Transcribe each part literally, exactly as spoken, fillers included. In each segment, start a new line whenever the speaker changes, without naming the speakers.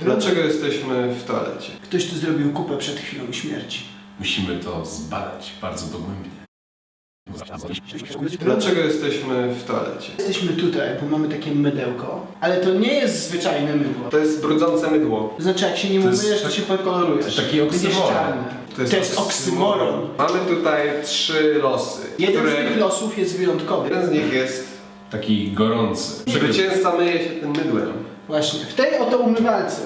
Dlaczego jesteśmy w toalecie?
Ktoś tu zrobił kupę przed chwilą śmierci.
Musimy to zbadać bardzo dogłębnie.
Dlaczego jesteśmy w toalecie?
Jesteśmy tutaj, bo mamy takie mydełko, ale to nie jest zwyczajne mydło.
To jest brudzące mydło.
To znaczy, jak się nim
To jest
umyjesz, to
tak-
się podkolorujesz.
taki
Będziesz
oksymoron.
czarny. To jest, oksymoron.
Mamy tutaj trzy losy,
Jeden
które...
z tych losów jest wyjątkowy.
Jeden z nich jest...
Taki gorący.
Zwycięzca myje się tym mydłem.
Właśnie, w tej oto umywalce.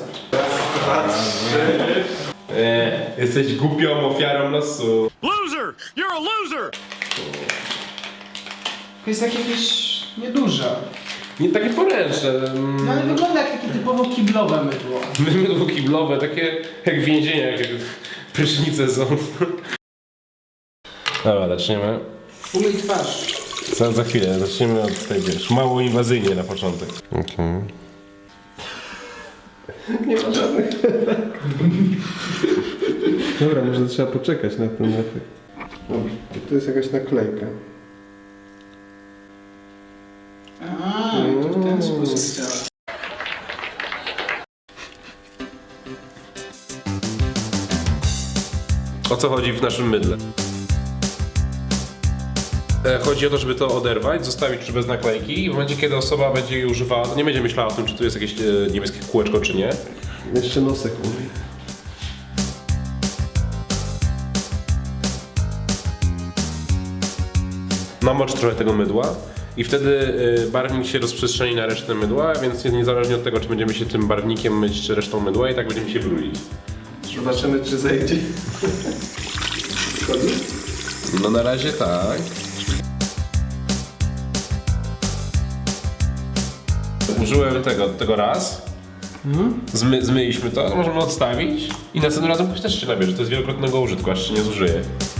E, jesteś głupią ofiarą losu.
Loser! You're a loser!
To jest takie jakieś nieduże.
Nie takie poręczne.
No ale wygląda jak takie typowo kiblowe mydło.
Mydło kiblowe, takie jak więzienia, jak prysznice są. Dobra, zaczniemy.
Umyj twarz.
Za, za chwilę, zaczniemy od tej, wiesz, mało inwazyjnie na początek. Okay.
Nie ma żadnych. Dobra, może trzeba poczekać na ten efekt. Dobra, to jest jakaś naklejka.
A, to w ten sposób działa.
O co chodzi w naszym mydle? E, Chodzi o to, żeby to oderwać, zostawić już bez naklejki i w momencie, kiedy osoba będzie jej używała, to nie będzie myślała o tym, czy tu jest jakieś e, niebieskie kółeczko, czy nie.
Jeszcze nosek umyj.
Namocz trochę tego mydła i wtedy e, barwnik się rozprzestrzeni na resztę mydła, więc niezależnie od tego, czy będziemy się tym barwnikiem myć, czy resztą mydła, i tak będziemy się brudzić.
Zobaczymy, czy zejdzie. Wchodzi?
No na razie tak. Użyłem tego, tego raz. Zmy, zmyliśmy to, możemy odstawić i następnym razem ktoś też się nabierze. To jest wielokrotnego użytku, aż się nie zużyje.